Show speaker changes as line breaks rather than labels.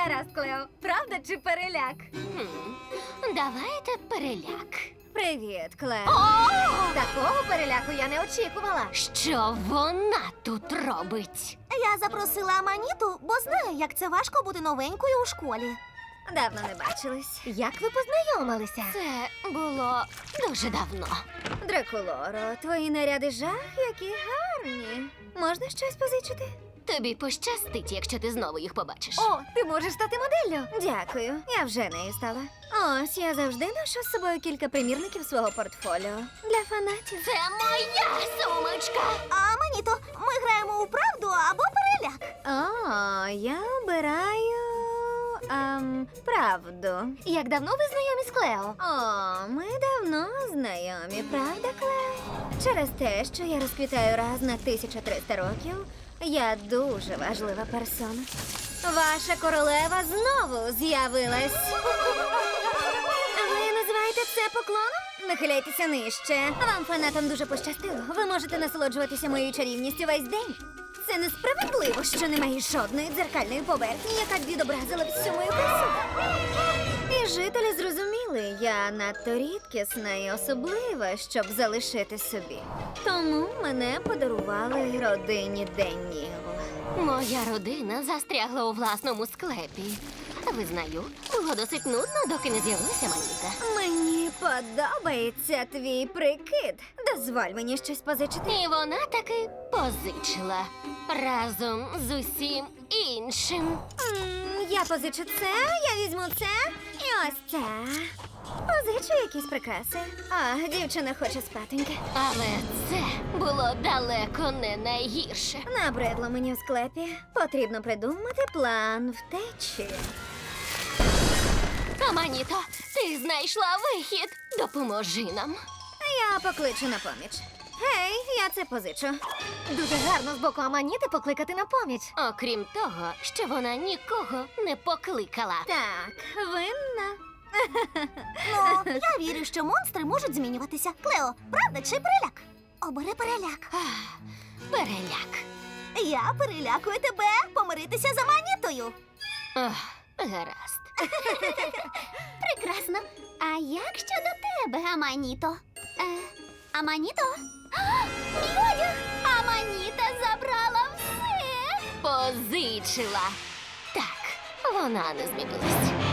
Гаразд, Клео. Правда чи переляк?
Давайте переляк.
Привіт, Клео. Такого переляку я не очікувала.
Що вона тут робить?
Я запросила Аманіту, бо знаю, як це важко бути новенькою у школі.
Давно не бачились. Як ви познайомилися?
Це було дуже давно.
Дракулоро, твої наряди жах, які гарні. Можна щось позичити?
Тобі пощастить, якщо ти знову їх побачиш.
О, ти можеш стати моделлю. Дякую, я вже нею стала. Ось, я завжди ношу з собою кілька примірників свого портфоліо. Для фанатів.
Це моя сумочка!
Аманіто, ми граємо у правду або переляк.
О, я обираю... правду.
Як давно ви знайомі з Клео?
О, ми давно знайомі, правда, Клео? Через те, що я розквітаю раз на 1300 років, я дуже важлива персона. Ваша королева знову з'явилась. Ви називаєте це поклоном? Нахиляйтеся нижче. Вам, фанатам, дуже пощастило. Ви можете насолоджуватися моєю чарівністю весь день. Це несправедливо, що немає жодної дзеркальної поверхні, яка б відобразила всю мою красу. І жителі зрозуміли, я надто рідкісна і особлива, щоб залишити собі. Тому мене подарували родині Денніл.
Моя родина застрягла у власному склепі. Визнаю, було досить нудно, доки не з'явилася Аманіта.
Мені подобається твій прикид. Дозволь мені щось позичити.
І вона таки позичила разом з усім іншим.
Я позичу це, я візьму це і ось це. Позичу якісь прикраси. А, дівчина хоче спатеньки.
Але це було далеко не найгірше.
Набридло мені в склепі. Потрібно придумати план втечі.
Аманіто, ти знайшла вихід. Допоможи нам.
Я покличу на поміч. Гей, я це позичу.
Дуже гарно з боку Аманіти покликати на поміч. Окрім того, що вона нікого не покликала.
Так, винна.
Ну, я вірю, що монстри можуть змінюватися. Клео, правда чи переляк? Обери переляк.
Переляк.
Я перелякую тебе помиритися з Аманітою.
Гаразд.
Прекрасно. А як щодо тебе, Аманіто? Аманіто? Мій одяг! Аманіта забрала все!
Позичила. Так, вона не змінилась.